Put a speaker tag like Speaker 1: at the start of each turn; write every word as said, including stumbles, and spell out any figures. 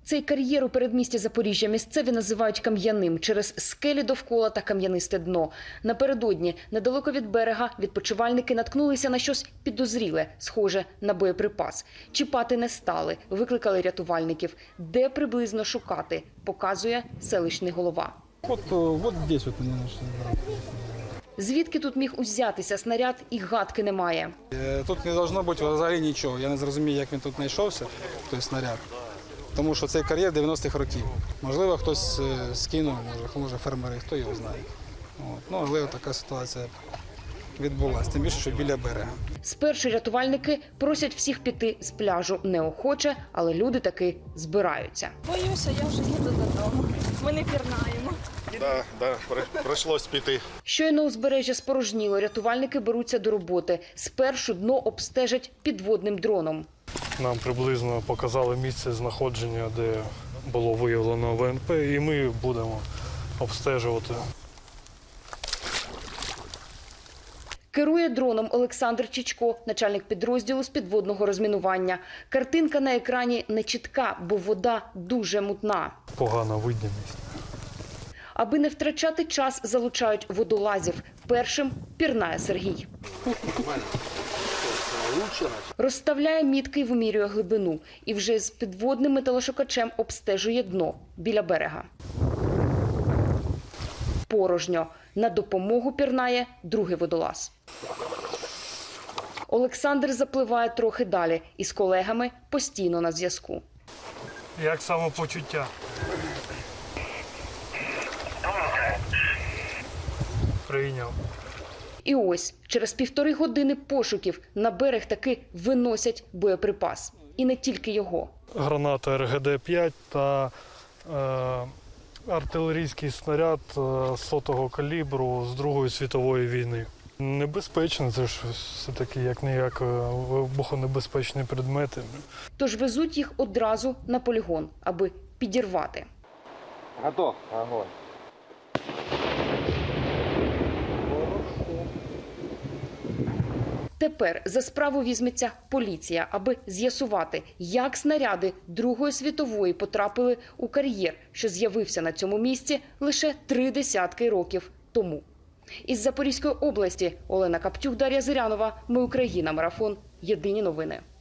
Speaker 1: Цей кар'єр у передмісті Запоріжжя місцеві називають кам'яним через скелі довкола та кам'янисте дно. Напередодні, недалеко від берега, відпочивальники наткнулися на щось підозріле, схоже на боєприпас. Чіпати не стали, викликали рятувальників. Де приблизно шукати, показує селищний голова.
Speaker 2: От, от здесь от вони знайшли.
Speaker 1: Звідки тут міг узятися снаряд, і гадки немає.
Speaker 2: Тут не должно бути взагалі нічого. Я не зрозумію, як він тут знайшовся, той снаряд. Тому що цей кар'єр дев'яностих років. Можливо, хтось скинув, може, може фермери, хто його знає. От. Ну, але така ситуація відбулася, тим більше, що біля берега.
Speaker 1: Спершу рятувальники просять всіх піти з пляжу неохоче, але люди таки збираються.
Speaker 3: Боюся, я вже їду додому. Ми не пірнаємо.
Speaker 4: Так, да, да, прийшлось піти.
Speaker 1: Щойно узбережжя спорожніло, рятувальники беруться до роботи. Спершу дно обстежать підводним дроном.
Speaker 5: Нам приблизно показали місце знаходження, де було виявлено В Н П, і ми будемо обстежувати.
Speaker 1: Керує дроном Олександр Чичко, начальник підрозділу з підводного розмінування. Картинка на екрані не чітка, бо вода дуже мутна.
Speaker 5: Погана видимість.
Speaker 1: Аби не втрачати час, залучають водолазів. Першим пірнає Сергій. Розставляє мітки і вимірює глибину. І вже з підводним металошукачем обстежує дно біля берега. Порожньо. На допомогу пірнає другий водолаз. Олександр запливає трохи далі і з колегами постійно на зв'язку.
Speaker 5: Як самопочуття? Прийняв.
Speaker 1: І ось, через півтори години пошуків на берег таки виносять боєприпас. І не тільки його.
Speaker 5: Граната Р Г Д п'ять та е, артилерійський снаряд е, сотого калібру з Другої світової війни. Небезпечно, це ж все-таки як-ніяк вибухонебезпечні предмети.
Speaker 1: Тож везуть їх одразу на полігон, аби підірвати.
Speaker 2: Готов. Огонь.
Speaker 1: Тепер за справу візьметься поліція, аби з'ясувати, як снаряди Другої світової потрапили у кар'єр, що з'явився на цьому місці лише три десятки років тому. Із Запорізької області Олена Каптюк, Дар'я Зирянова. Ми Україна. Марафон. Єдині новини.